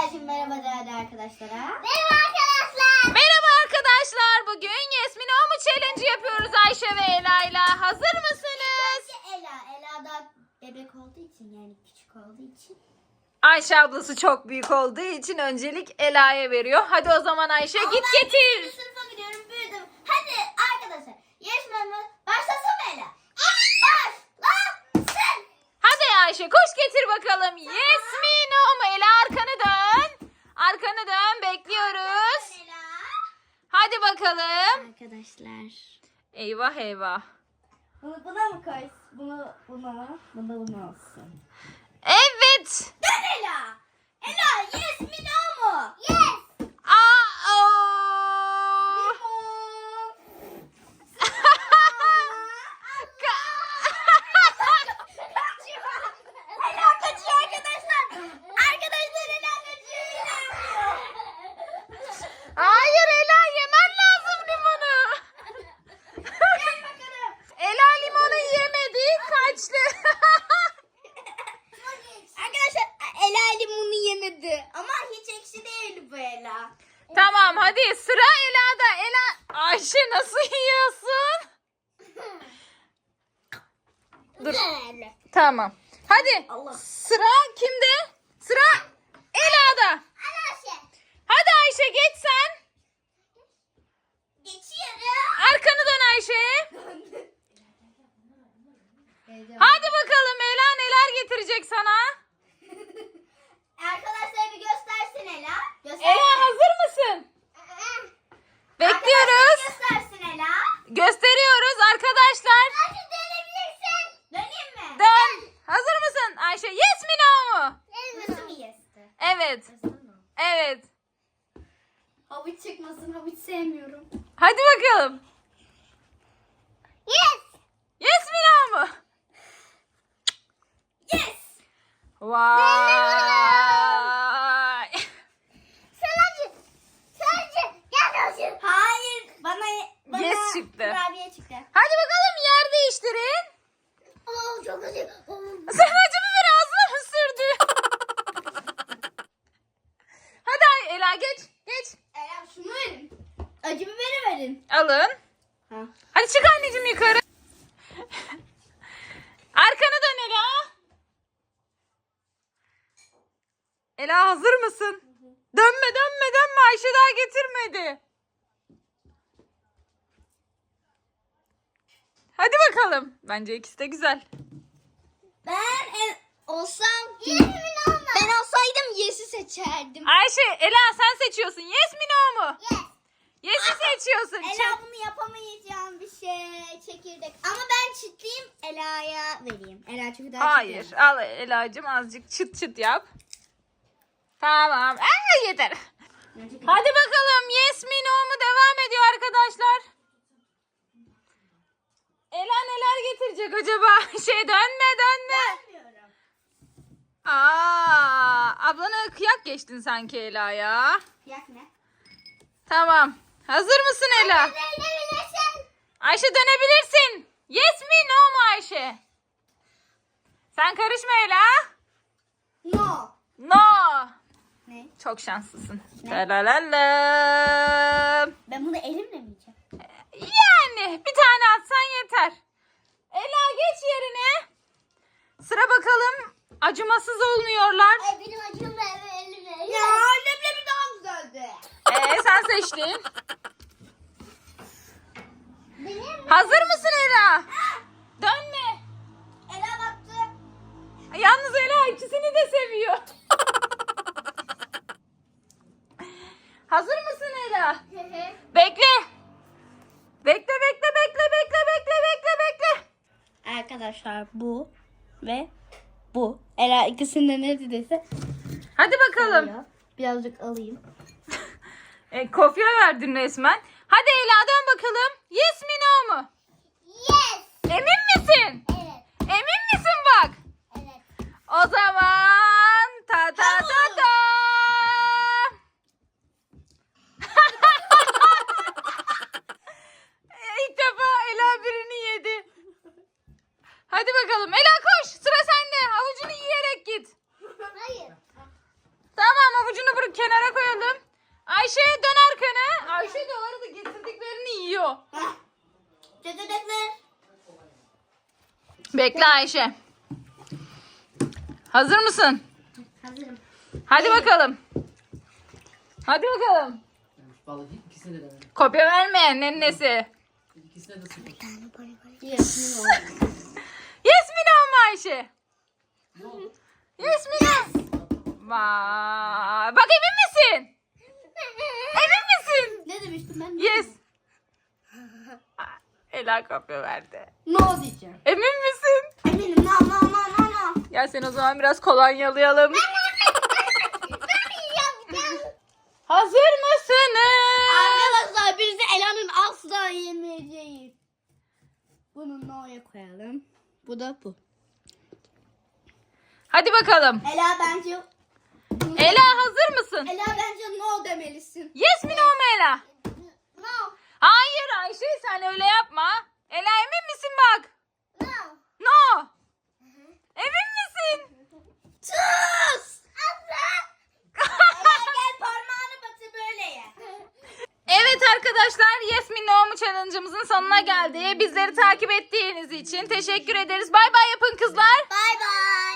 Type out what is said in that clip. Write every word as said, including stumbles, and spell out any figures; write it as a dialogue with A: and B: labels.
A: Ela'cığım merhaba değerli arkadaşlara.
B: Merhaba arkadaşlar.
C: Merhaba arkadaşlar. Bugün Yesmin O mu challenge yapıyoruz Ayşe ve Ela ile. Hazır mısınız?
A: Ela, Ela da bebek olduğu için yani küçük olduğu için.
C: Ayşe ablası çok büyük olduğu için öncelik Ela'ya veriyor. Hadi o zaman Ayşe
A: Ama
C: git
A: ben
C: getir.
A: üçüncü sınıfa gidiyorum büyüdüm. Hadi arkadaşlar yarışmamı başlasın mı Ela? Başlasın.
C: Hadi Ayşe koş getir bakalım. Yesmin O mu? Ela arkanı dön. Arkanı dön bekliyoruz.
A: Ela.
C: Hadi bakalım.
A: Arkadaşlar.
C: Eyvah eyvah.
A: Bunu buna mı koy? Bunu buna, buna bunu olsun.
C: Evet.
A: Dön Ela. Ela yes mi no mu?
B: Yes.
C: Aa, oo.
A: Ela kaçıyor arkadaşlar. Arkadaşlar Ela kaçıyor.
C: Hayır Ela yemen lazım limonu.
A: Gel bakalım.
C: Ela limonu yemedi kaçtı.
A: Arkadaşlar Ela limonu yemedi. Ama hiç ekşi değil bu Ela.
C: Tamam hadi sıra Ela'da. Ela Ayşe nasıl yiyorsun? Dur.
A: Güzel.
C: Tamam. Hadi.
A: Allah.
C: Sıra kimde? Sıra Ela'da.
B: Arkadaşlar.
C: Hadi Ayşe geç sen.
A: Geçiyorum.
C: Arkanı dön Ayşe. Hadi bakalım Ela neler getirecek sana?
A: Arkadaşlar bir göstersin Ela. Göstersin.
C: Ela hazır mısın? Bekliyoruz.
A: Arkadaşlar göstersin Ela.
C: Gösteriyoruz arkadaşlar.
A: Hadi dönebilirsin. Döneyim mi?
C: Dön. Hazır mısın Ayşe? Yes mi no mu?
A: Nasıl mı yesti?
C: Evet. Evet.
A: Havuç çıkmasın. Havuç sevmiyorum.
C: Hadi bakalım.
B: Yes.
C: Yes mi no mu?
A: Yes.
C: Vay.
B: Sadece. Sadece. Gel olsun.
A: Hayır. Bana, bana
C: Yes çıktı.
A: kurabiye çıktı.
C: Hadi bakalım yer değiştirin.
B: Oo çok acı. Oo.
C: Sen acı biber ağzına mı sürdün? Hadi Ay- Ela geç. Geç.
A: Ela şunu verin. Acı biberi verin.
C: Alın.
A: Ha.
C: Hadi çık anneciğim yukarı. Arkanı dön Ela. Ela hazır mısın? Dönme dönme dönme Ayşe daha getirmedi. Hadi bakalım. Bence ikisi de güzel.
A: Ben en, olsam
B: Yes mi no mu?
A: ben olsaydım Yes'i seçerdim.
C: Ayşe, Ela sen seçiyorsun. Yes mi no mu?
B: Yes.
C: Yes'i seçiyorsun.
A: Ela
C: Çek.
A: bunu yapamayacağım bir şey. Çekirdek. Ama ben çitleyeyim Ela'ya vereyim. Ela çünkü daha
C: Hayır.
A: çitleyemez.
C: Al Ela'cığım azıcık çıt çıt yap. Tamam. Aa, yeter. Hadi bakalım. Yes mi no mu devam ediyor arkadaşlar. Ela neler getirecek acaba? Şey dönme dönme.
A: Bilmiyorum.
C: Aa, ablana kıyak geçtin sanki Ela ya.
A: Yak ne?
C: Tamam. Hazır mısın Ela?
B: Dönebilirsin.
C: Ayşe dönebilirsin. Yes mi no mu Ayşe? Sen karışma Ela.
A: No.
C: No.
A: Ne?
C: Çok şanslısın.
A: Ne?
C: Lalalala.
A: Ben bunu elimle mi yiyeceğim?
C: Yani bir tane atsan yeter. Ela geç yerine. Sıra bakalım. Acımasız olmuyorlar.
B: Ay benim acım var. Elimle.
A: Ya leblebi daha güzeldi.
C: Ee, sen seçtin.
B: Benim.
C: Hazır mısın Ela? Dönme.
A: Ela baktı.
C: Yalnız Ela ikisini de seviyor. Hazır mısın Ela? Bekle. Bekle bekle bekle bekle bekle bekle bekle.
A: Arkadaşlar bu ve bu. Ela ikisinde ne dediyse.
C: Hadi bakalım.
A: Birazcık alayım.
C: E, kopya verdin resmen. Hadi Ela dön bakalım. Yes mi no mu?
B: Yes.
C: Emin misin?
B: Evet.
C: Emin misin bak?
B: Evet.
C: O zaman ta ta ta ta. İlk defa Ela birini yedi. Hadi bakalım. Ela koş. Sıra sende. Havucunu yiyerek git.
B: Hayır.
C: Tamam havucunu bırak. Dur kenara koyalım. Ayşe dön arkanı. Ayşe de o arada getirdiklerini yiyor.
A: Hah. Çekirdekler.
C: Bekle Ayşe. Hazır mısın?
A: Hazırım.
C: Hadi bakalım. Hadi bakalım.
D: Vallahi ikisine de denedim.
C: Kopya vermeyen nennesi.
D: İkisine de sıfır.
A: Yes,
C: Yasmin o mu Ayşe?
D: Ne oldu?
C: Yasmin o. Vay. Bak emin misin? Emin misin?
A: Ne demiştim ben?
C: Yes. Ela kopya verdi.
A: No diyeceğim.
C: Emin misin?
A: Eminim. No no no no no.
C: Gel sen o zaman biraz kolonyalayalım. Hazır mısınız?
A: Arkadaşlar biz de Ela'nın asla yemeyeceğiz. Bunu no'ya koyalım. Bu da bu.
C: Hadi bakalım.
A: Ela bence
C: Ela hazır mısın?
A: Ela bence no demelisin.
C: Yes mi no mu Ela?
B: No.
C: Hayır Ayşe sen öyle yapma. Ela emin misin bak?
B: No.
C: No. Emin misin?
A: Sus! Ela gel parmağını batır böyle ye.
C: Evet arkadaşlar Yes mi No mu challenge'ımızın sonuna geldi. Bizleri takip ettiğiniz için teşekkür ederiz. Bay bay yapın kızlar.
A: Bay bay.